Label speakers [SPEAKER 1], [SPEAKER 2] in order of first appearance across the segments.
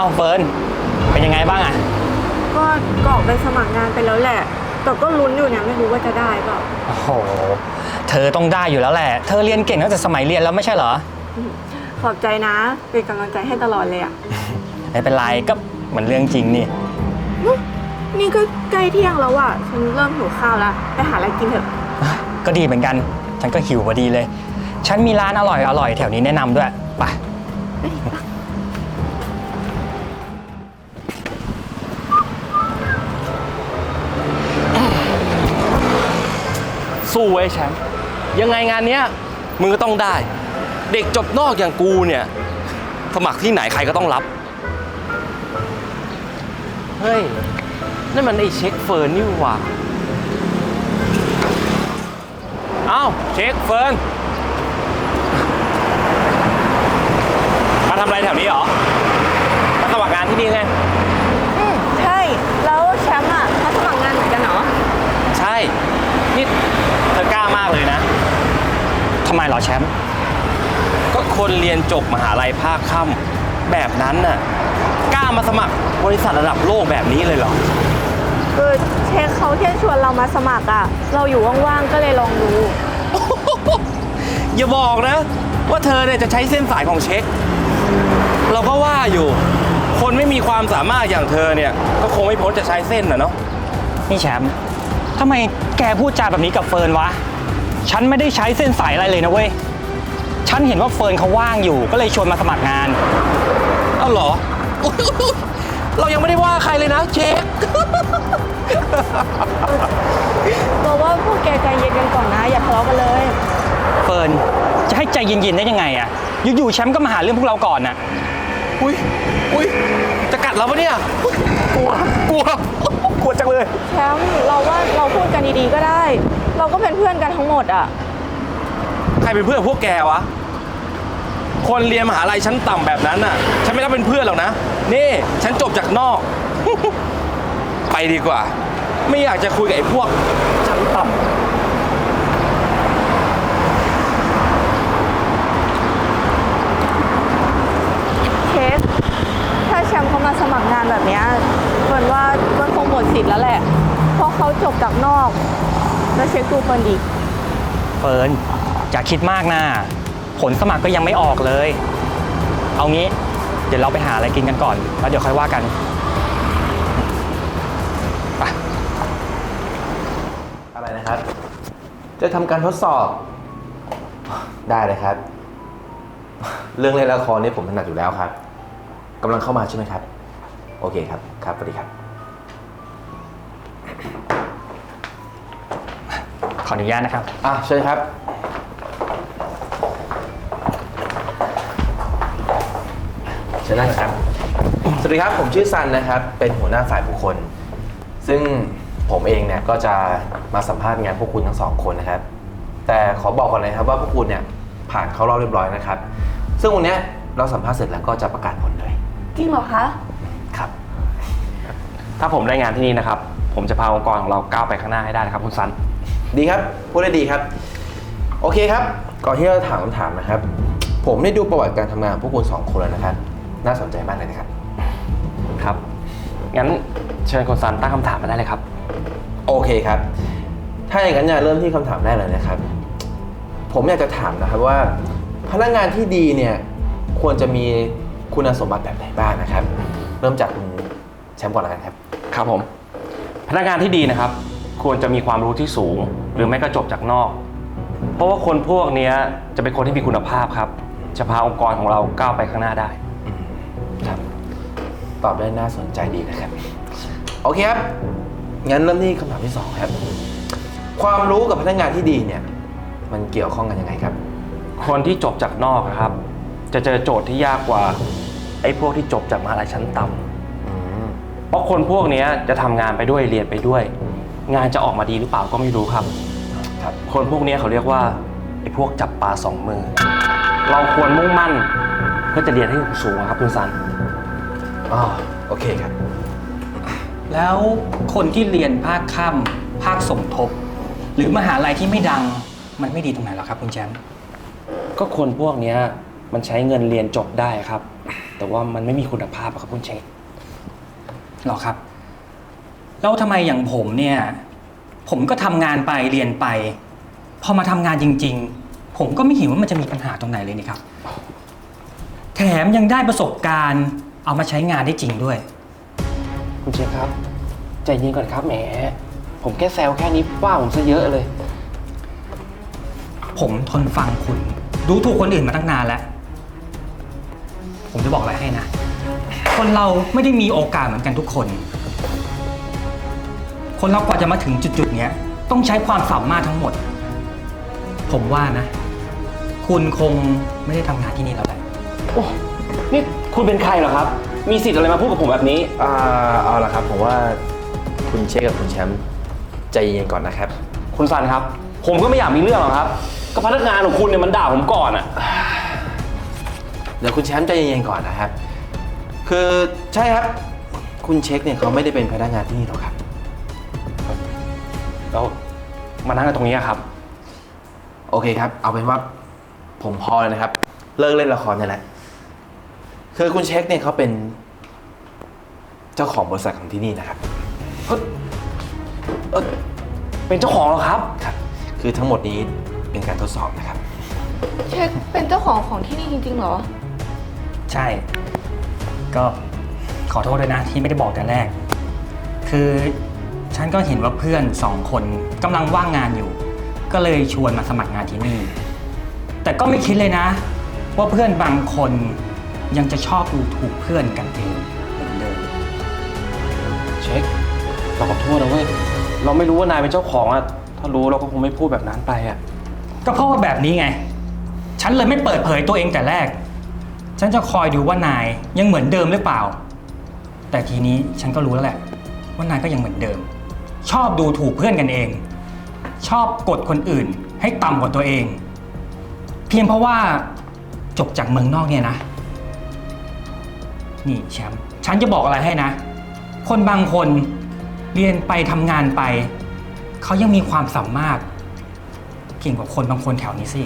[SPEAKER 1] าเฟิร์นเป็นยังไงบ้างอะ
[SPEAKER 2] ก็กรอกไปสมัครงานไปแล้วแหละแต่ก็ลุ้นอยู่เนี่ยไม่รู้ว่าจะได้เปล่า
[SPEAKER 1] โอ้โหเธอต้องได้อยู่แล้วแหละเธอเรียนเก่งตั้งแต่สมัยเรียนแล้วไม่ใช่เหรอ
[SPEAKER 2] ขอบใจนะเป็นกำลังใจให้ตลอดเลยอ่ะ
[SPEAKER 1] ไม่เป็นไรก็เหมือนเรื่องจริงนี่
[SPEAKER 2] นี่ก็ใกล้เที่ยงแล้วอ่ะฉันเริ่มหิวข้าวแล้วไปหาอะไรกินเถอะ
[SPEAKER 1] ก็ดีเหมือนกันฉันก็หิวพอดีเลยฉันมีร้านอร่อยแถวนี้แนะนำด้วยไป
[SPEAKER 3] สู้ไว้แชมป์ยังไงงานเนี้ยมึงก็ต้องได้เด็กจบนอกอย่างกูเนี่ยสมัครที่ไหนใครก็ต้องรับเฮ้ยนั่นมันไอ้เช็คเฟิร์นนี่หว่าเอ้าเช็คเฟิร์นมาทำอะไรแถวนี้เหรอมาสมัครงานที่นี่ไง
[SPEAKER 2] ใช่แล้วแชมป์อ่ะมาสมัครงานเหมือนกันเหรอ
[SPEAKER 3] ใช่นี่เธอกล้ามากเลยนะ
[SPEAKER 1] ทำไมเหรอแชมป์
[SPEAKER 3] ก็คนเรียนจบมหาลัยภาคค่ำแบบนั้นน่ะกล้ามาสมัครบริษัทระดับโลกแบบนี้เลยเหรอ
[SPEAKER 2] เช็คเขาเที่ยวชวนเรามาสมัครอ่ะเราอยู่ว่างๆก็เลยลองดู
[SPEAKER 3] อย่าบอกนะว่าเธอเนี่ยจะใช้เส้นสายของเช็คเราก็ว่าอยู่คนไม่มีความสามารถอย่างเธอเนี่ยก็คงไม่พ้นจะใช้เส้นน่ะเนาะ
[SPEAKER 1] นี่แชมป์ทำไมแกพูดจาแบบนี้กับเฟิร์นวะฉันไม่ได้ใช้เส้นสายอะไรเลยนะเว้ยฉันเห็นว่าเฟิร์นเขาว่างอยู่ก็เลยชวนมาสมัครงาน
[SPEAKER 3] เอ้าเหรอเรายังไม่ได้ว่าใครเลยนะเช็ค
[SPEAKER 2] บอกว่าพวกแกใจเย็นกันก่อนนะอย่าทะเลาะกันเลย
[SPEAKER 1] เฟิร์นจะให้ใจเย็นๆได้ยังไงอะอยู่ๆแชมป์ก็มาหาเรื่องพวกเราก่อนน่ะ
[SPEAKER 3] อุ้ยจะกัดเราปะเนี่ยกลัวจังเลย
[SPEAKER 2] แชมป์เราว่าเราพูดกันดีๆก็ได้เราก็เป็นเพื่อนกันทั้งหมดอ่ะ
[SPEAKER 3] ใครเป็นเพื่อนพวกแกวะคนเรียนมหาลัยชั้นต่ำแบบนั้นน่ะฉันไม่รับเป็นเพื่อนหรอกนะนี่ฉันจบจากนอกไปดีกว่าไม่อยากจะคุยกับไอ้พวกชั้นต่ำ
[SPEAKER 2] เคสถ้าแชมป์เขามาสมัครงานแบบนี้เฟิร์นว่าเฟิร์นคงหมดสิทธิ์แล้วแหละเพราะเขาจบจากนอกแล้วเช็คดูเฟิร์นอีก
[SPEAKER 1] เฟิร์นอย่าคิดมากนะผลสมัครก็ยังไม่ออกเลยเอางี้เดี๋ยวเราไปหาอะไรกินกันก่อนแล้วเดี๋ยวค่อยว่ากันไป
[SPEAKER 4] อะไรนะครับจะทำการทดสอบได้เลยครับเรื่องเล่นละครนี่ผมถนัดอยู่แล้วครับกำลังเข้ามาใช่ไหมครับโอเคครับครับสวัสดีครับ
[SPEAKER 1] ขออนุญาตนะครับ
[SPEAKER 4] เชิญครับเชิญนั่งครับสวัสดีครับผมชื่อซันนะครับเป็นหัวหน้าฝ่ายบุคคลซึ่งผมเองเนี่ยก็จะมาสัมภาษณ์งานพวกคุณทั้งสองคนนะครับแต่ขอบอกก่อนเลยครับว่าพวกคุณเนี่ยผ่านเข้ารอบเรียบร้อยนะครับซึ่งวันนี้เราสัมภาษณ์เสร็จแล้วก็จะประกาศผลเลย
[SPEAKER 2] จริงเหรอคะ
[SPEAKER 4] ครับ
[SPEAKER 3] ถ้าผมได้งานที่นี่นะครับผมจะพาองค์กรของเราก้าวไปข้างหน้าให้ได้นะครับคุณซัน
[SPEAKER 4] ดีครับพูดได้ดีครับโอเคครับก่อนที่เราถามคำถามนะครับผมได้ดูประวัติการทำงานของพวกคุณ2คนแล้วนะครับน่าสนใจมากเลยนะครับ
[SPEAKER 3] ครับงั้นเชิญคุณซันตั้งคำถามมาได้เลยครับ
[SPEAKER 4] โอเคครับถ้าอย่างนั้นเริ่มที่คำถามแรกเลยนะครับผมอยากจะถามนะครับว่าพนักงานที่ดีเนี่ยควรจะมีคุณสมบัติแบบไหนบ้างนะครับเริ่มจากคุณแชมป์ก่อนแล้วกันครับ
[SPEAKER 3] ครับผมพนักงานที่ดีนะครับควรจะมีความรู้ที่สูงหรือไม่ก็จบจากนอกเพราะว่าคนพวกนี้จะเป็นคนที่มีคุณภาพครับจะพาองค์กรของเราก้าวไปข้างหน้าได้
[SPEAKER 4] ครับตอบได้น่าสนใจดีนะครับโอเคครับงั้นเริ่มที่คำถามที่2ครับความรู้กับพนักงานที่ดีเนี่ยมันเกี่ยวข้องกันยังไงครับ
[SPEAKER 3] คนที่จบจากนอกครับจะเจอโจทย์ที่ยากกว่าไอ้พวกที่จบจากมหาลัยชั้นต่ำเพราะคนพวกนี้จะทำงานไปด้วยเรียนไปด้วยงานจะออกมาดีหรือเปล่าก็ไม่รู้ครับคนพวกนี้เขาเรียกว่าไอ้พวกจับปลา2 มือเราควรมุ่งมั่นเพื่อจะเรียนให้สูงครับคุณซัน
[SPEAKER 4] โอเคครับ
[SPEAKER 1] แล้วคนที่เรียนภาคค่ำภาคสมทบหรือมหาลัยที่ไม่ดังมันไม่ดีตรงไหนหรอครับคุณแชมป์
[SPEAKER 3] ก็คนพวกนี้มันใช้เงินเรียนจบได้ครับแต่ว่ามันไม่มีคุณภาพอะครับคุณเช็ค
[SPEAKER 1] หรอครับ แล้วทำไมอย่างผมเนี่ย ผมก็ทำงานไปเรียนไป พอมาทำงานจริง ๆ ผมก็ไม่เห็นว่ามันจะมีปัญหาตรงไหนเลยนี่ครับ แถมยังได้ประสบการณ์เอามาใช้งานได้จริงด้วย
[SPEAKER 3] คุณเช็คครับใจเย็นก่อนครับแหมผมแค่แซวแค่นี้ว่าผมซะเยอะเลย
[SPEAKER 1] ผมทนฟังคุณดูถูกคนอื่นมาตั้งนานแล้ว ผมจะบอกอะไรให้นะ คนเราไม่ได้มีโอกาสเหมือนกันทุกคน คนเรากว่าจะมาถึงจุดๆเนี้ยต้องใช้ความสามารถทั้งหมด ผมว่านะ คุณคงไม่ได้ทำงานที่นี่แล้วแหละ
[SPEAKER 3] โอ้นี่คุณเป็นใครเหรอครับ มีสิทธิ์อะไรมาพูดกับผมแบบนี้
[SPEAKER 4] เอาละครับผมว่าคุณเช็คกับคุณแชมป์ใจเย็นก่อนนะครับ
[SPEAKER 3] คุณซันครับ ผมก็ไม่อยากมีเรื่องหรอกครับ ก็พนักงานของคุณเนี่ยมันด่าผมก่อนอะ
[SPEAKER 4] เดี๋ยวคุณแชมป์ใจเย็นๆก่อนนะครับ คือใช่ครับ คุณเช็คเนี่ยเขาไม่ได้เป็นพนักงานที่นี่หรอกครับ
[SPEAKER 3] แล้วมานั่งกันตรงนี้อะครับ
[SPEAKER 4] โอเคครับ เอาเป็นว่าผมพอเลยนะครับ เลิกเล่นละครนี่แหละ คือคุณเช็คเนี่ยเขาเป็นเจ้าของบริษัทของที่นี่นะครับ
[SPEAKER 3] เป็นเจ้าของเหรอครับ
[SPEAKER 4] ครับ คือทั้งหมดนี้เป็นการทดสอบนะครับ
[SPEAKER 2] เช็คเป็นเจ้าของที่นี่จริงๆเหรอ
[SPEAKER 1] ใช่ ก็ขอโทษด้วยนะที่ไม่ได้บอกแต่แรก คือฉันก็เห็นว่าเพื่อน2 คนกำลังว่างงานอยู่ ก็เลยชวนมาสมัครงานที่นี่ แต่ก็ไม่คิดเลยนะ ว่าเพื่อนบางคนยังจะชอบดูถูกเพื่อนกันเองเหมือนเดิม
[SPEAKER 3] เช็ค เราขอโทษนะเว้ย เราไม่รู้ว่านายเป็นเจ้าของอะถ้ารู้เราก็คงไม่พูดแบบนั้นไปอะ
[SPEAKER 1] ก็เพราะว่าแบบนี้ไง ฉันเลยไม่เปิดเผยตัวเองแต่แรก ฉันจะคอยดูว่านายยังเหมือนเดิมหรือเปล่า แต่ทีนี้ฉันก็รู้แล้วแหละ ว่านายก็ยังเหมือนเดิม ชอบดูถูกเพื่อนกันเอง ชอบกดคนอื่นให้ต่ำกว่าตัวเอง เพียงเพราะว่าจบจากเมืองนอกเนี่ยนะ นี่แชมป์ ฉันจะบอกอะไรให้นะ คนบางคนเรียนไปทำงานไป เขายังมีความสามารถเก่งกว่าคนบางคนแถวนี้สิ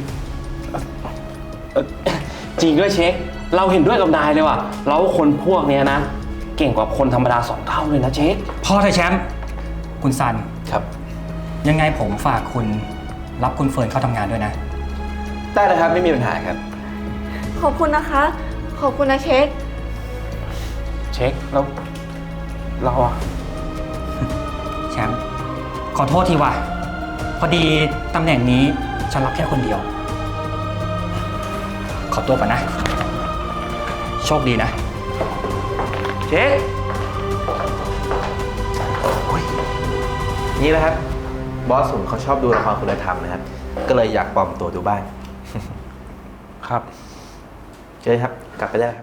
[SPEAKER 3] จริงด้วยเช็ค เราเห็นด้วยกับนายเลยว่ะ เราคนพวกเนี้ยนะ เก่งกว่าคนธรรมดา2 เท่าเลยนะเช็ค
[SPEAKER 1] พอเถอะแชมป์ คุณซัน
[SPEAKER 4] ครับ
[SPEAKER 1] ยังไงผมฝากคุณรับคุณเฟิร์นเข้าทำงานด้วยนะ
[SPEAKER 4] ได้เลยครับไม่มีปัญหาครับ
[SPEAKER 2] ขอบคุณนะคะ ขอบคุณนะเช็ค
[SPEAKER 3] เช็ค แล้วเราอะ
[SPEAKER 1] แชมป์ ขอโทษทีว่ะ พอดีตำแหน่งนี้ฉันรับแค่คนเดียว ขอตัวก่อนนะ โชคดีนะ
[SPEAKER 3] เช็ค
[SPEAKER 4] นี่นะครับ บอสผมเขาชอบดูละครคุณธรรมนะครับ ก็เลยอยากปลอมตัวดูบ้าง
[SPEAKER 3] ครับ
[SPEAKER 4] เชิญครับ กลับไปได้ครับ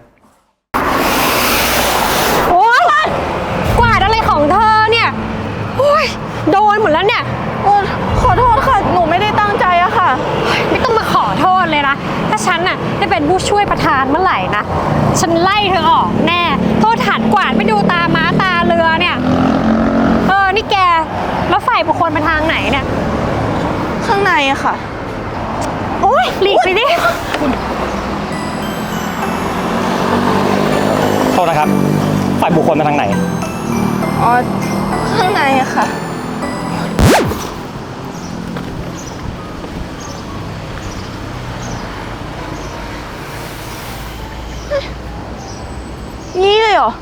[SPEAKER 5] โอ๊ยกวาดอะไรของเธอเนี่ยโอ๊ยโดนหมดแล้วเนี่ย
[SPEAKER 2] ขอโทษค่ะ หนูไม่ได้ตั้งใจอะค่ะ
[SPEAKER 5] ไม่ต้องมาขอโทษเลยนะ ถ้าฉันน่ะได้เป็นผู้ช่วยประธานเมื่อไหร่นะ ฉันไล่เธอออกแน่ โทษฐานกวาดไม่ดูตาม้าตาเรือเนี่ย นี่แก แล้วฝ่ายบุคคลไปทางไหนเนี่ย
[SPEAKER 2] ข้างในอะค่ะ
[SPEAKER 5] โอ๊ยหลีกไปดิ
[SPEAKER 1] โทษนะครับ ฝ่ายบุคคลมาทางไหน
[SPEAKER 2] อ๋อ ข้างในอะค่ะ นี่เลยเหรอ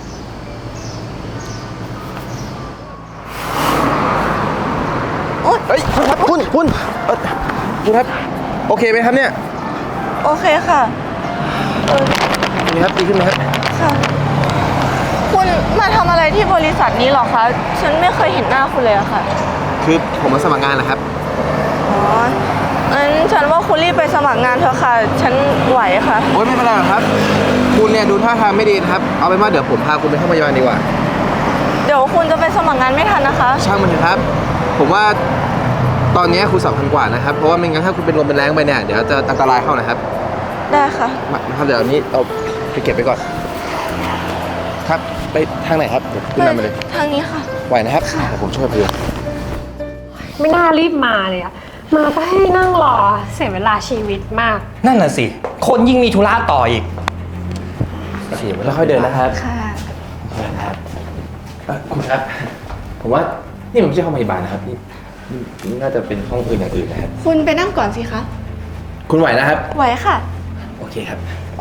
[SPEAKER 4] เฮ้ยคุณครับคุณคุณครับ โอเคไหมครับเนี่ย
[SPEAKER 2] โอเคค่ะ
[SPEAKER 4] นี่ครับดีขึ้นไหมครับ
[SPEAKER 2] ค่ะ คุณมาทำอะไรที่บริษัทนี้เหรอคะ ฉันไม่เคยเห็นหน้าคุณเลยอะค่ะ
[SPEAKER 4] คือผมมาสมัครงานนะครับ
[SPEAKER 2] อ๋องั้นฉันว่าคุณรีบไปสมัครงานเถอะค่ะ ฉันไหวค่ะ
[SPEAKER 4] โอ๊ยไม่เป็นไรหรอกครับ คุณเนี่ยดูท่าทางไม่ดีนะครับ เอาเป็นว่าเดี๋ยวผมพาคุณไปเข้าพยาบาลดีกว่า
[SPEAKER 2] เดี๋ยวคุณจะไปสมัครงานไม่ทันนะคะ
[SPEAKER 4] ช่างมันเถอะครับ ผมว่าตอนนี้คุณสำคัญกว่านะครับ เพราะว่าไม่งั้นถ้าคุณเป็นลมเป็นแรงไปเนี่ยเดี๋ยวจะอันตรายเข้านะครับ
[SPEAKER 2] ได้ค่ะ
[SPEAKER 4] มาครับเดี๋ยวอันนี้เอาไปเก็บไปก่อน ครับไปทางไหนครับเดี๋ยวขึ้นนำไปเลย
[SPEAKER 2] ทางนี้ค่ะ
[SPEAKER 4] ไหวนะครับเดี๋ยวผมช่วยพยุง
[SPEAKER 5] ไม่น่ารีบมาเลยอะมาก็ให้นั่งรอเสียเวลาชีวิตมาก
[SPEAKER 1] นั่นน่ะสิ คนยิ่งมีธุระต่ออีก
[SPEAKER 4] สิแล้วค่อยเดินนะครับ
[SPEAKER 2] ค่ะ
[SPEAKER 4] เดินนะครับคุณครับ ผมว่านี่มันไม่ใช่ห้องพยาบาลนะครับนี่น่าจะเป็นห้องอื่นอย่างอื่นนะครับ
[SPEAKER 2] คุณไปนั่งก่อนสิคะ
[SPEAKER 4] คุณไหวนะครับ
[SPEAKER 2] ไหวค่ะ
[SPEAKER 4] โอเคครับ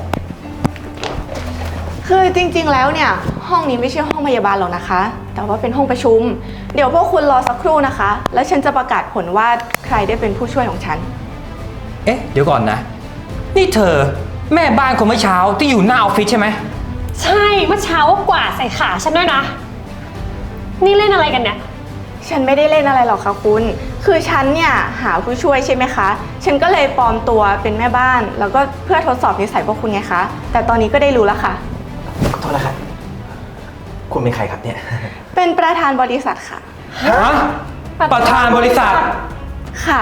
[SPEAKER 2] คือจริงๆ แล้วเนี่ยห้องนี้ไม่ใช่ห้องพยาบาลหรอกนะคะ แต่ว่าเป็นห้องประชุม เดี๋ยวพวกคุณรอสักครู่นะคะ แล้วฉันจะประกาศผลว่าใครได้เป็นผู้ช่วยของฉัน
[SPEAKER 1] เอ๊ะ เดี๋ยวก่อนนะ นี่เธอแม่บ้านคนเมื่อเช้าที่อยู่หน้าออฟฟิศใช่ไหม
[SPEAKER 5] ใช่เมื่อเช้าก็กวาดใส่ขาฉันด้วยนะ นี่เล่นอะไรกันเนี่ย
[SPEAKER 2] ฉันไม่ได้เล่นอะไรหรอกค่ะคุณ คือฉันเนี่ยหาผู้ช่วยใช่ไหมคะ ฉันก็เลยปลอมตัวเป็นแม่บ้าน แล้วก็เพื่อทดสอบนิสัยพวกคุณไงคะ แต่ตอนนี้ก็ได้รู้แล้วค่ะ
[SPEAKER 4] ขอโทษนะครับ คุณเป็นใครครับเนี่ย
[SPEAKER 2] เป็นประธานบริษัทค่ะ
[SPEAKER 1] ฮะ ประธานบริษัท
[SPEAKER 2] ค่ะ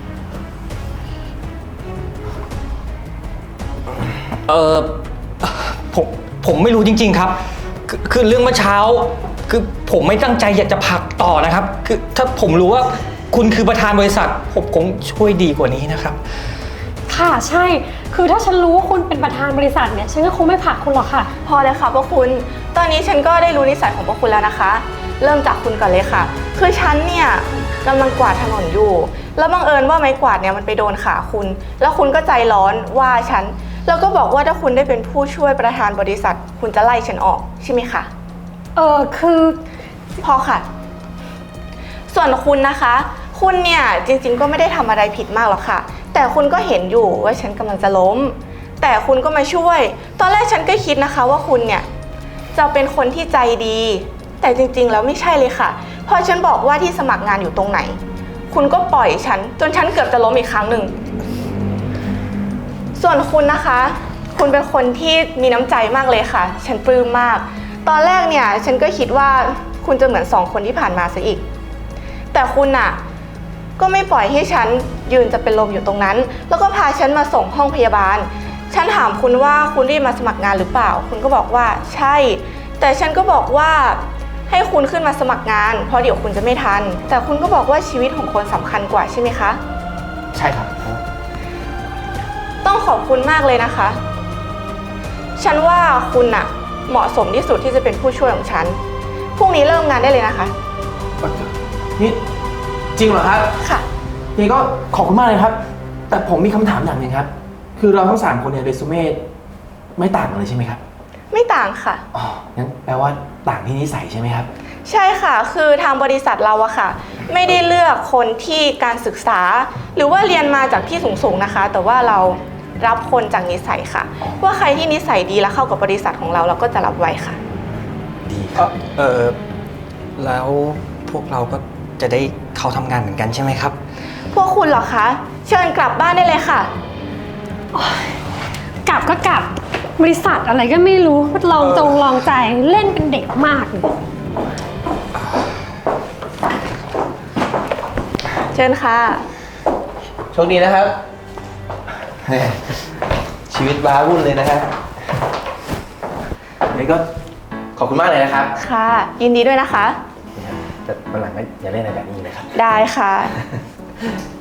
[SPEAKER 1] เออผมไม่รู้จริงๆครับ คือเรื่องเมื่อเช้า คือผมไม่ตั้งใจอยากจะผลักต่อนะครับ คือถ้าผมรู้ว่าคุณคือประธานบริษัท ผมคงช่วยดีกว่านี้นะครับ
[SPEAKER 5] ค่ะใช่ คือถ้าฉันรู้ว่าคุณเป็นประธานบริษัทเนี่ย ฉันก็คงไม่ผลักคุณหรอกค่ะ
[SPEAKER 2] พอเลยค่ะพวกคุณ ตอนนี้ฉันก็ได้รู้นิสัยของพวกคุณแล้วนะคะ เริ่มจากคุณก่อนเลยค่ะ คือฉันเนี่ยกำลังกวาดถนนอยู่ แล้วบังเอิญว่าไม้กวาดเนี่ยมันไปโดนขาคุณ แล้วคุณก็ใจร้อนว่าฉัน แล้วก็บอกว่าถ้าคุณได้เป็นผู้ช่วยประธานบริษัท คุณจะไล่ฉันออกใช่ไหมคะ
[SPEAKER 5] คือ
[SPEAKER 2] พอค่ะ ส่วนคุณนะคะ คุณเนี่ยจริงๆก็ไม่ได้ทำอะไรผิดมากหรอกค่ะ แต่คุณก็เห็นอยู่ว่าฉันกำลังจะล้ม แต่คุณก็มาช่วย ตอนแรกฉันก็คิดนะคะว่าคุณเนี่ยจะเป็นคนที่ใจดี แต่จริงๆแล้วไม่ใช่เลยค่ะ พอฉันบอกว่าที่สมัครงานอยู่ตรงไหน คุณก็ปล่อยฉันจนฉันเกือบจะล้มอีกครั้งหนึ่ง ส่วนคุณนะคะ คุณเป็นคนที่มีน้ำใจมากเลยค่ะ ฉันปลื้มมาก ตอนแรกเนี่ยฉันก็คิดว่าคุณจะเหมือน2 คนที่ผ่านมาซะอีก แต่คุณน่ะก็ไม่ปล่อยให้ฉันยืนจะเป็นลมอยู่ตรงนั้น แล้วก็พาฉันมาส่งห้องพยาบาล ฉันถามคุณว่าคุณรีบมาสมัครงานหรือเปล่า คุณก็บอกว่าใช่ แต่ฉันก็บอกว่าให้คุณขึ้นมาสมัครงาน เพราะเดี๋ยวคุณจะไม่ทัน แต่คุณก็บอกว่าชีวิตของคนสำคัญกว่าใช่ไหมคะ
[SPEAKER 4] ใช่ครับ
[SPEAKER 2] ต้องขอบคุณมากเลยนะคะ ฉันว่าคุณน่ะเหมาะสมที่สุดที่จะเป็นผู้ช่วยของฉัน พรุ่งนี้เริ่มงานได้เลยนะคะ
[SPEAKER 4] นี่จริงเหรอครับ
[SPEAKER 2] ค่ะ
[SPEAKER 4] นี่ก็ขอบคุณมากเลยครับ แต่ผมมีคำถามอย่างหนึ่งครับ คือเราทั้ง3 คนเนี่ยเรซูเม่ไม่ต่างกันเลยใช่ไหมครับ
[SPEAKER 2] ไม่ต่างค่ะ
[SPEAKER 4] อ๋อ งั้นแปลว่าต่างที่นิสัยใช่ไหมครับ
[SPEAKER 2] ใช่ค่ะ คือทางบริษัทเราอะค่ะ ไม่ได้เลือกคนที่การศึกษา หรือว่าเรียนมาจากที่สูงๆนะคะ แต่ว่าเรารับคนจากนิสัยค่ะ ว่าใครที่นิสัยดีและเข้ากับบริษัทของเราเราก็จะรับไว้ค่ะ
[SPEAKER 4] ดีครับ
[SPEAKER 1] แล้วพวกเราก็จะได้เข้าทำงานเหมือนกันใช่ไหมครับ
[SPEAKER 2] พวกคุณเหรอคะ เชิญกลับบ้านได้เลยค่ะ
[SPEAKER 5] กลับก็กลับ บริษัทอะไรก็ไม่รู้ลองใจเล่นเป็นเด็กมากเลย
[SPEAKER 2] เชิญค่ะ
[SPEAKER 4] โชคดีนะครับ ชีวิตว้าวุ่นเลยนะครับนี่ก็ขอบคุณมากเลยนะครับ
[SPEAKER 2] ค่ะ ยินดีด้วยนะคะ
[SPEAKER 4] แต่วันหลังก็อย่าเล่นอะไรแบบนี้นะครับ
[SPEAKER 2] ได้ค่ะ